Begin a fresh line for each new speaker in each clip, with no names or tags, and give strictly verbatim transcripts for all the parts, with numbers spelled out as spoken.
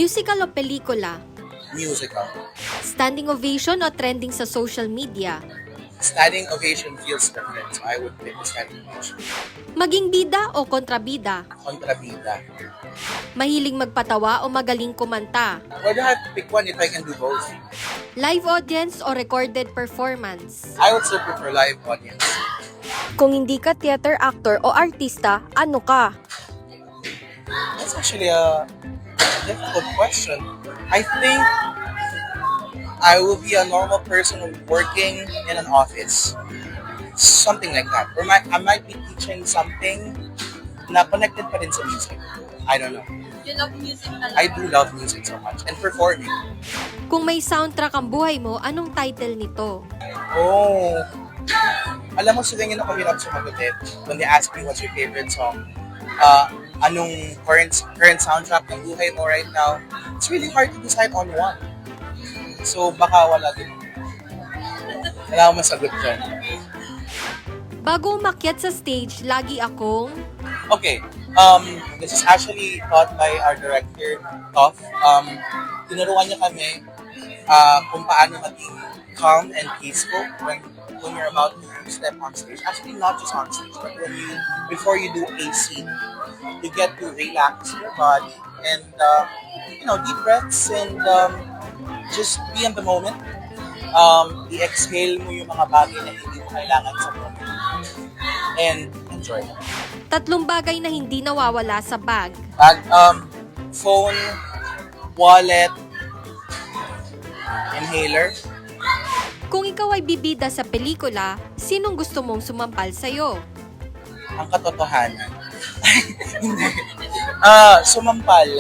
Musical o pelikula?
Musical.
Standing ovation o trending sa social media?
Standing ovation feels different, so I would pick the standing ovation.
Maging bida o kontrabida?
Kontrabida.
Mahiling magpatawa o magaling kumanta?
Why do I have to pick one if I can do both?
Live audience o recorded performance?
I would still prefer live audience.
Kung hindi ka theater actor o artista, ano ka?
That's actually a difficult question. I think I will be a normal person working in an office. Something like that. Or might, I might be teaching something na connected pa rin sa music. I don't know.
You love music talaga?
I do love music so much. And performing.
Kung may soundtrack ang buhay mo, anong title nito?
Oh. Alam mo, sila yun ako hirap sumagot eh. When they ask me what's your favorite song, uh, anong current current soundtrack ng buhay mo right now, it's really hard to decide on one. So, baka wala din. Wala akong masagot dyan.
Bago umakyat sa stage, lagi akong...
Okay, um, this is actually taught by our director, Toff. Um, tinuruan niya kami uh, kung paano maging calm and peaceful when when you're about to step on stage. Actually, not just on stage, but when you before you do a scene, you get to relax your body and uh, you know, deep breaths and um, just be in the moment. Um, i-exhale mo yung mga bagay na hindi mo kailangan sa moment. And enjoy.
Tatlong bagay na hindi nawawala sa bag.
Bag, um, phone, wallet, inhaler.
Kung ikaw ay bibida sa pelikula, sinong gusto mong sumampal sa'yo?
Ang katotohanan. Hindi. Ah, sumampal.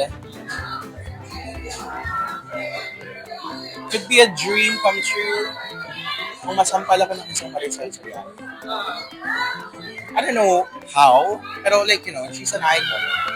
Could be a dream come true kung masampal ako ng isang Marisol Soriano. I don't know how, pero like, you know, she's an icon.